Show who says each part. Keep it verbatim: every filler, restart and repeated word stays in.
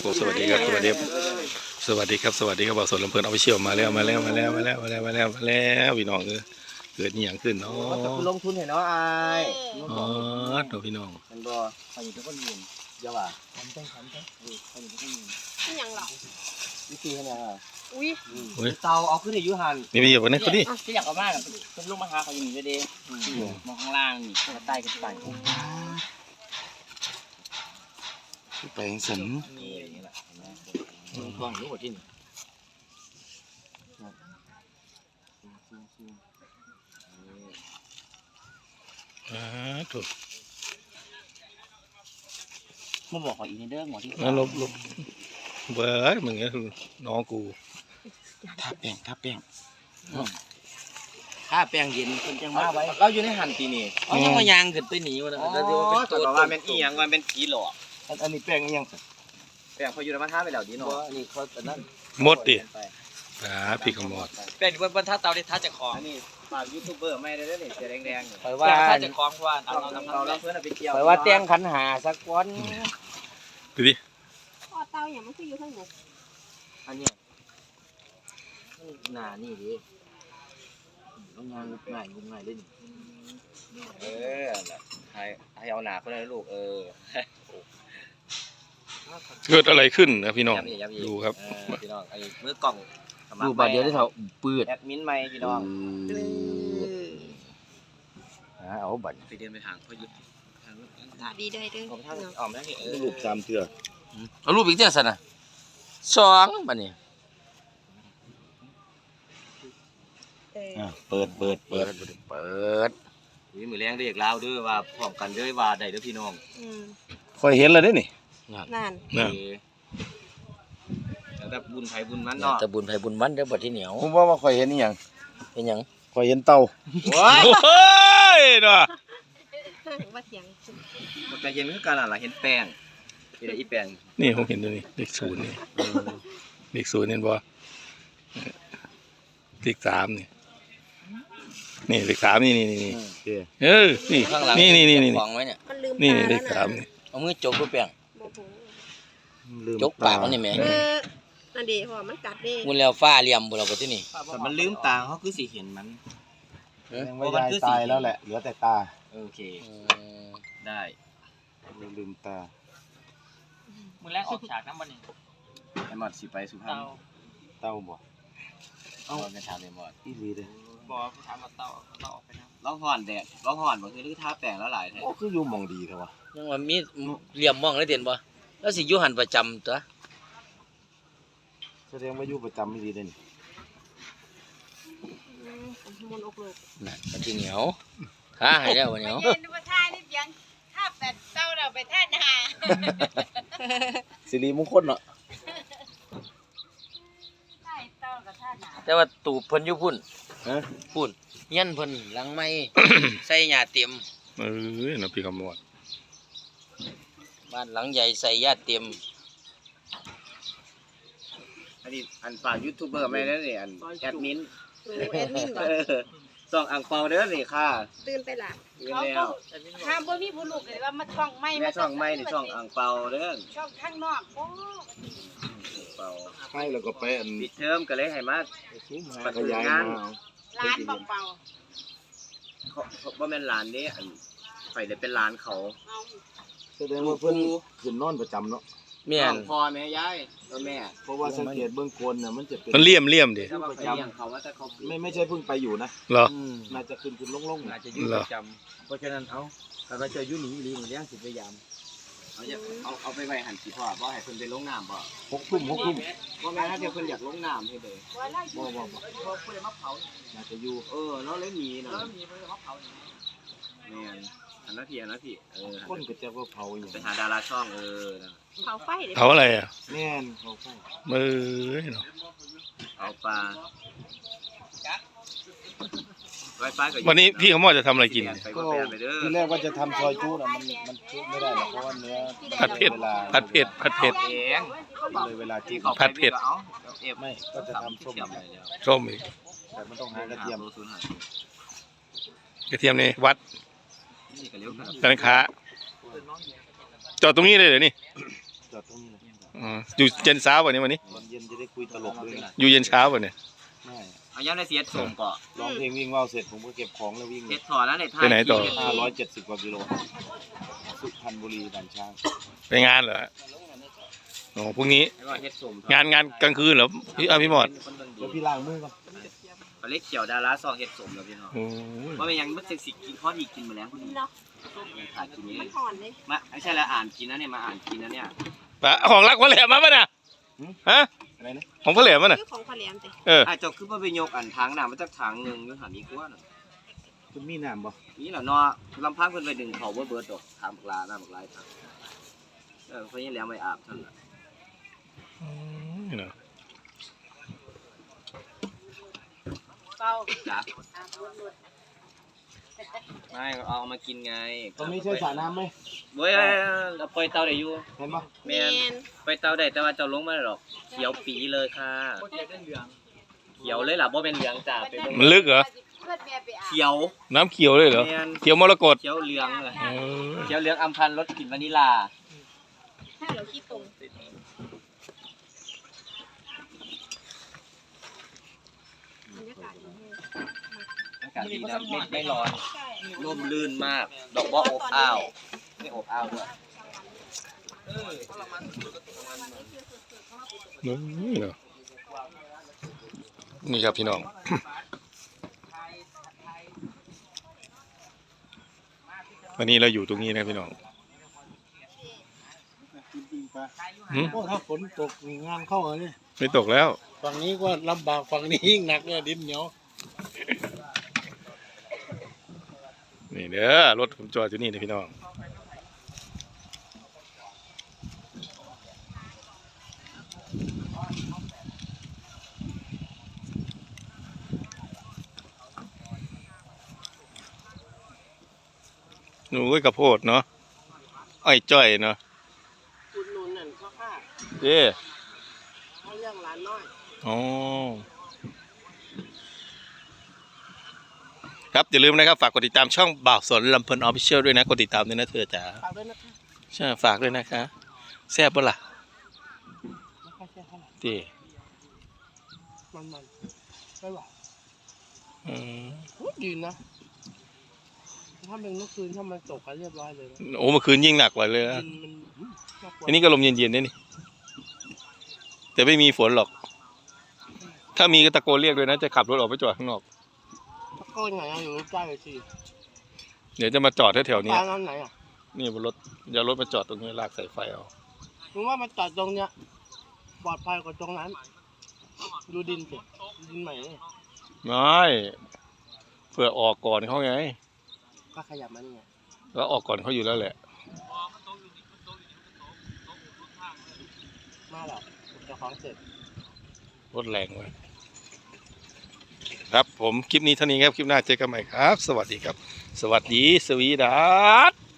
Speaker 1: โอ้สวัสดีครับสวัสดีครับสวัสดีครับสวัสดีครับบ่าวสนลำเพลินเอาไปเชี่ยวมาแล้วมาแล้วมาแล้วมาแล้วมาแล้วมาแล้วมาแล้วพี่น้องเออเกิดนี่อย่างขึ้นเนาะ
Speaker 2: ลงทุนเห็นเนาะอาย
Speaker 1: อ๋อตัวพี่น้อง
Speaker 2: มันบ่ใครอยู่ทุกคนยืนเยอะว่ะทำต้องทำต้องเออใครอยู่ทุกคนยืน
Speaker 3: นี่ยังหรอ
Speaker 2: วิธีขนาดอ่ะ
Speaker 3: อุ้ย
Speaker 2: เตาเอาขึ้นในยุหัน
Speaker 1: นี่ไม่อยู่บนนี้คนนี้
Speaker 2: ที่อยากเอามากเป็นลูกมะพร้าวเขาอยู่นี่เด้มองข้างล่างนี่ข้างใต้กันไป
Speaker 1: ไปสัน
Speaker 2: นี่อย่างนี้แหละลงกล้องรู้หมดที่นี่
Speaker 1: อ่าถูก
Speaker 2: มาบอกขออีกนิดเด้อหมอที่
Speaker 1: นั่นลบลบเบิร์ดมึงเนี่ยน้องกู
Speaker 2: ทาแป้งทาแป้งถ้าแป้งเย็นคนจังมาไว้เราอยู่ในหันตีนี่เขายังมายางขึ้นไปหนีวะนะแล้วที่ว่าเป็นตัวว่าเป็นอีหยังว่าเป็นผีหลอกอันนี้แป้งอีหยังแป้งเขาอยู่ในบ้านท่าไปแล้วดีเนาะอันนี้เขาแต่นั่น
Speaker 1: หมดดิอ่าพี่ขมอด
Speaker 4: เป็นบนท่าเตาที่ท่าจะคล้อง
Speaker 2: อันนี้ฝากยูทูบเบอร์ไม่ได้เลยเสียแดงๆ
Speaker 4: คอยว่าท่าจะคล้องเพราะว่าเอา
Speaker 2: เรา
Speaker 4: เรา
Speaker 2: เรา
Speaker 4: ทำ
Speaker 2: เราเพื่อนไปเกี่ยว
Speaker 4: คอยว่าเตียงขันหาสักวัน
Speaker 1: ดูดิ
Speaker 3: พ่อเต้าอย่างมันคืออยู่ข้างหนู
Speaker 2: อันนี้หนานี่ดิต้องงานง่ายง่ายเล่นเออให้ให้เอาหนาเพื่อนลูกเออ
Speaker 1: เกิดอะไรขึ้นนะพี่น้องดูครับ
Speaker 2: พี่น้องไอ้มือกล่อง
Speaker 4: ดูบาดเดียวได้เท่าปืด
Speaker 2: แอดมินใหม่พี่น้อง
Speaker 4: เอาบัตร
Speaker 2: ไปเดินไปทางพ่อยุทธทาง
Speaker 3: ตาดีได้เด้อ
Speaker 2: ผมทางออมนั่นนี่เออ
Speaker 1: ลูกสามเถื่อ
Speaker 4: เอารูปอีกเจ้าสันนะสองบัตรนี่
Speaker 1: เปิดเปิด
Speaker 4: เปิ
Speaker 1: เปิ
Speaker 4: ด
Speaker 1: ด
Speaker 4: เปิด
Speaker 2: วิมือแรงเรียกเล่าด้วยว่าพร้อมกันด้วยว่าได้เด้อพี่น้อง
Speaker 3: อืม
Speaker 1: คอยเห็นแล้วได้นี่
Speaker 3: นั่น
Speaker 1: นะ
Speaker 2: แล้วแบบบุญไผบุญมัน
Speaker 4: เนี่ย
Speaker 2: เนาะ
Speaker 4: แต่บุญไผบุญมันเด้อบัตรที่เหนียว
Speaker 5: ผมว่าว่าข่อยเห็นนี่ยัง
Speaker 4: เป็นหยัง
Speaker 5: ข่อยเห็นเต่า
Speaker 2: โอ้ย
Speaker 1: โอ้ยเนาะ
Speaker 3: ว่าเสียง
Speaker 2: มันจะเย็นคือกันอ่ะล่ะเห็นแป้งที่ได้อีแป้ง
Speaker 1: นี่ผมเห็นตัวนี้เลขศูนย์นี่เลขศูนย์เห็นบ่เลขสามนี่นี่เลขสามนี่นี่นี่เออนี่
Speaker 4: ข้างหลัง
Speaker 1: นี่นี่นี่นี่
Speaker 4: ของไว้เนี่ย
Speaker 3: มันลืม
Speaker 1: นี่
Speaker 3: ตา
Speaker 1: เล
Speaker 3: แล้ว
Speaker 1: ข
Speaker 3: นะ
Speaker 1: สามนี่
Speaker 4: เอามือจกรูปแป้ง
Speaker 3: โมโห
Speaker 5: ลืม
Speaker 4: จกปากมันนี่แม่
Speaker 3: เออนั่นดีพ่อมันกัดเด้
Speaker 4: มุนแล้วฟ้าเหลี่ยมบุเราบัตรที่นี่
Speaker 2: แต่มันลืมตาเขาคือสิเห็นมัน
Speaker 5: ยังไม่ยายตายแล้วแหละเหลือแต่ตา
Speaker 2: โอเค
Speaker 4: อืม
Speaker 2: ได้
Speaker 5: ลืมตา
Speaker 4: มือแรกออกฉากน้ำบัตรนี่
Speaker 2: ไอ้หมอดสิไปสุพรรณ
Speaker 4: เตา
Speaker 5: เต่าบ่
Speaker 2: เอาไปถามไอ้หมอด
Speaker 5: อีหลีเด้
Speaker 4: บอกถามว่าเตาเตาออกไปนะ
Speaker 2: ร้องห่อนแดดร้องห่อนบ่คือลือทาแป้งแล้วหลายแท้
Speaker 5: โอ้คืออยู่หมองดีเถอะวะ
Speaker 4: ยังว่ามีเหลี่ยมมองได้เด่นบ่แล้วสิอยู่หันประจำตัว
Speaker 5: แสดงว่าอยู่ประจำอีหลีเด้นี่
Speaker 3: อืมมนต์อกโลก
Speaker 4: น่ะบัตรที่เหนียวท้าให้แล้วบัตรเหนียว
Speaker 6: เย็นว่าท่านี่เพียงถ้าแปดเต้าเราไปท่านา
Speaker 5: สิริมงคลเนาะ
Speaker 6: ใช่เต้ากับท่านา
Speaker 4: แต่ว่าตูบเพิ่นอยู่พุ่น
Speaker 5: ฮะ
Speaker 4: พุ่นเงี้ยนเพิ่นหลังไม้ ใส่หญ้าเต็ม
Speaker 1: เออนะพี่ขมอด
Speaker 4: บ้านหลังใหญ่ใส่หญ้าเต็ม
Speaker 2: อันนี้อันฝากยูทูบเบอร์ไม่ได้นี่อันแอดมิน
Speaker 3: โอ้แอดมินบ่
Speaker 2: ส่องอ่างเปาเด้อนี่ค่ะ
Speaker 3: ตื่นไปละ
Speaker 2: ยืน
Speaker 6: เขา
Speaker 2: แล้
Speaker 6: ก็
Speaker 2: ว
Speaker 6: ห้ามบ่มีผู้ลูกเลยว่ามาช่องไม่
Speaker 2: แม่ช่องไม่นี่ช่องอ่างเปาเด้อ
Speaker 6: ช่องข้างนอกโอ้
Speaker 2: เปา
Speaker 5: ให้แล้วก็ไปอัน
Speaker 2: ปิดเทอมก็เลยให้มา
Speaker 5: ซูมหา
Speaker 2: ปัจ
Speaker 5: ข
Speaker 2: จุ
Speaker 5: ยาย
Speaker 2: บั
Speaker 5: มาน เอา
Speaker 6: ร้านเปล่า
Speaker 2: เขาเขาบ่แม่นร้านนี้อันไปเลยเป็นร้านเขา
Speaker 6: ๆเอา
Speaker 5: แสดงว่าเพิ่นขึ้นนอนประจำเนาะ
Speaker 4: แม่น
Speaker 2: พ่อแม่ยายแล้วแม่
Speaker 5: เพราะว่าสังเกตเบื้องโคนน่ะมันจะเป็น
Speaker 1: มันเลี่ยมเลี่ยมดิ
Speaker 2: ถ้าว่าไปเลี้ยงเขาว่าแต่เขา
Speaker 5: ไม่ไม่ใช่เพิ่งไปอยู่นะ
Speaker 1: เหรอ
Speaker 5: น่าจะขึ้นขึ้นลงๆ
Speaker 4: อา
Speaker 5: น่ะ
Speaker 4: จจะอยู่ประจำเพราะฉะนั้นเอาถ้าเราจะอยู่หนีหลีมันเลี้ยงสิพยายาม
Speaker 2: เอาอย่าเอาเอาไปไว้หันสิพ่อบ่ให้เพิ่นไปลงน้ำบ่
Speaker 5: หกทุ่มหกทุ่ม
Speaker 2: บ่แม่นถ้าเดี๋ยวเพิ่นอยากลงน้ำให้เด้อ
Speaker 6: ว่าไล่
Speaker 5: บ่บ่บ่น่าจะอยู่
Speaker 2: เออเนาะเลยหนีเนาะ
Speaker 4: มีเพิ่นมาเผาอย่างนี้
Speaker 2: แม่นอันนั้นพี่อันนั้นพี่เออ
Speaker 5: คนก็จะว่าเผาอย่าง
Speaker 2: ไปหาดาราช่องเออนะ
Speaker 3: เผาไฟเลย
Speaker 1: เผาอะไรอ่ะ
Speaker 5: แม่นเขาใช่
Speaker 1: มือเนาะ
Speaker 2: เอาปลาไวไฟก็อยู่
Speaker 1: วันนี้พี่ขมอดจะทำอะไรกิน
Speaker 2: ไป
Speaker 5: ก็
Speaker 2: ก็แปลไปเด้อ
Speaker 5: ทีแรกว่าจะทำซอยจุ๊น่ะมันมันจุ๊ไม่ได้หรอกเพราะว่าเนื้อ
Speaker 1: ผัดเผ็ด
Speaker 5: วลา
Speaker 1: ผัดเผ็ดผัดเผ็ด
Speaker 2: เอง
Speaker 5: เลยเวลา
Speaker 2: ที่
Speaker 5: จิ้ม
Speaker 2: เขา
Speaker 1: ผัดเผ็ด
Speaker 2: เอาเอฟ
Speaker 5: ไม่ก็จะทำส้ม
Speaker 2: เทียมไปแล้ว
Speaker 1: ส้มอีก
Speaker 5: แต่มันต้องหากระเทียม
Speaker 2: โลศูนย์ห้าก
Speaker 1: ระเทียมนี่วัด
Speaker 2: นี่ก็เลี้ยวกัน
Speaker 1: ร้านค้าจอดตรงนี้เลยเหรอนี่
Speaker 5: จอดตรงนี้เลย
Speaker 1: อ๋ออยู่เย็นเช้าวันนี้วันนี้
Speaker 5: ตอนเย็นจะได้คุยตลกด้วยนะ
Speaker 1: อยู่เย็นเช้าวันนี้
Speaker 5: ไม่
Speaker 2: เอาย้ำในเสียดส่งก่อน
Speaker 5: ร้องเพลงวิ่งว่าวเสร็จผมก็เก็บของแล้ววิ่ง
Speaker 2: เฮ็ดถอดแล้วในไทย
Speaker 1: ไปไหนต่อ
Speaker 5: ห้าร้อยเจ็ดสิบกว่ากิโลสุพรรณบุรีด่านช้าง
Speaker 1: ไปงานเหรอโอ้พรุ่งนี้
Speaker 2: แล้วก็เฮ็ดส่ง
Speaker 1: งานงานกลางคืนเหรอพี่อาพี่หมอด
Speaker 5: เดี๋ยวพี่ล้างมือก่อน
Speaker 2: ปลาเล็กเขียวดาราซองเฮ็ดสมแล้วพี่น้อง
Speaker 1: โอ้ย
Speaker 2: ว่าเป็นยังมันเซ็กซี่กินพอดีกินมาแล้วพอดี
Speaker 3: เนาะ
Speaker 2: ยังขาดกินนี้
Speaker 3: มันห่อนเลย
Speaker 2: มาไม่ใช่แล้วอ่านกินนะเนี่ยมาอ่านกินนะเนี่ย
Speaker 1: ปะของรักพ่อแหลมมาป่ะน่ะฮะ
Speaker 5: อะไรนะ
Speaker 1: ของพ่อแหลมมาน่ะ
Speaker 3: คือของขะแหลมติ
Speaker 1: เออ
Speaker 2: อ่ะเจ้าคือว่าไปยกอันทางน้ำมาจากทางหนึงอยู่หามีกว่าน่ะ
Speaker 5: คุณมีน้ำบ่
Speaker 2: นี่แหละเนาะลำพังเพิ่นไปดึงเขาบ่เบิดดอกถามบักลาหน้าบักลายทางเออเพิ่นยังแล้วไม่อาบท่านน่ะ
Speaker 1: นี่เนาะ
Speaker 6: เป้า
Speaker 2: จ้ะ
Speaker 6: อ่ะวน
Speaker 2: ไม่เอามากินไง
Speaker 5: ตรงนี้ใช่สระน้ำไหม
Speaker 2: เว้ยเราปล่อยเตาได้อยู่
Speaker 5: เห็นปะ
Speaker 2: แม่นปล่อยเตาได้แต่ว่าเจ้าลงมาได้หรอกเขียวปีเลยค่ะเขียวเลยล่ะบ่เป็นเหลืองจ้าไปเบิ่ง
Speaker 1: มันลึกเหรอ
Speaker 6: เพื่อนแม่ไปอาบ
Speaker 2: เขียว
Speaker 1: น้ำเขียวเลยเหรอ
Speaker 2: แม่น
Speaker 1: เขียวมรกต
Speaker 2: เขียวเหลืองเลย
Speaker 1: เออ
Speaker 2: เขียวเหลืองอำพันธ์รสกลิ่นวานิลลา
Speaker 3: ถ้าเราขี้ตรงบรรยากาศดีแฮะ
Speaker 2: อากาศดีนะไม่ไม่ร้อน
Speaker 3: ใช่
Speaker 2: ร่มรื่นมาก ดอกบัวอบอ้าวไม่อบอ้าวด้วย
Speaker 1: นี่เนาะนี่ครับพี่น้อง วันนี้เราอยู่ตรงนี้นะพี่น้องหืม
Speaker 5: โอ้ถ้าฝนตกงานเข้าเลย
Speaker 1: ไม่ตกแล้ว
Speaker 5: ฝั่งนี้ก็ลำบากฝั่งนี้ยิ่งหนักเลยดินเหนียว
Speaker 1: นี่เด้อรถผมจอดอยู่นี่นะพี่น้องหนูก็กระโพดเนาะอ้อยจ้อยเนาะ
Speaker 3: อุดหนุนนั่นพ่อค่ะ
Speaker 1: เด้
Speaker 3: เขาเรื่องร้านน้อย
Speaker 1: อ๋อครับอย่าลืมนะครับฝากกดติดตามช่องบ่าวสนลำเพลินออฟฟิเชียลด้วยนะกดติดตามด้วยนะเธอจ๋า
Speaker 3: ฝากด้วยนะคะ
Speaker 1: ใช่ฝากด้วยนะคะแซ่บปะล่ะ
Speaker 3: ไม่ค่อยแซ่บเท่าไหร่
Speaker 1: เด้
Speaker 3: มันมันไม่หวาน
Speaker 1: อืม
Speaker 3: พูดดีนะถ้าเป็นเมื่อคืนถ้ามันตกกันเรียบร้อยเลยนะ
Speaker 1: โอ้เมื่อคืนยิ่งหนักกว่าเลยนะ
Speaker 3: กินมันน่ากลัว
Speaker 1: อันนี้ก็ลมเย็นๆนี่นี่แต่ไม่มีฝนหรอก ถ้ามีก็ตะโกนเรียกด้วยนะจะขับรถออกไปจอดข้างนอก
Speaker 3: ตะโกนไหนอะอยู่ใกล้ๆสิ
Speaker 1: เดี๋ยวจะมาจอดแถวๆนี้
Speaker 3: ร้านนั้นไหนอ่ะ
Speaker 1: นี่บนรถอย่ารถมาจอดตรงนี้ลากสายไฟเอา
Speaker 3: มึงว่ามันจอดตรงเนี้ยปลอดภัยกว่าตรงนั้น ดูดินสิดินใหม่นี่
Speaker 1: ไม่เผื่อออกก่อนเขาไง
Speaker 3: ก็ขยับมานี่ไง
Speaker 1: แล้วออกก่อนเขาอยู่แล้วแหละ
Speaker 3: มาแล้วเจะของเสร็จ
Speaker 1: รถแรงไว้ครับผมคลิปนี้เท่านี้ครับคลิปหน้าเจอกันใหม่ครับ สวัสดีครับ สวัสดีสวีดัส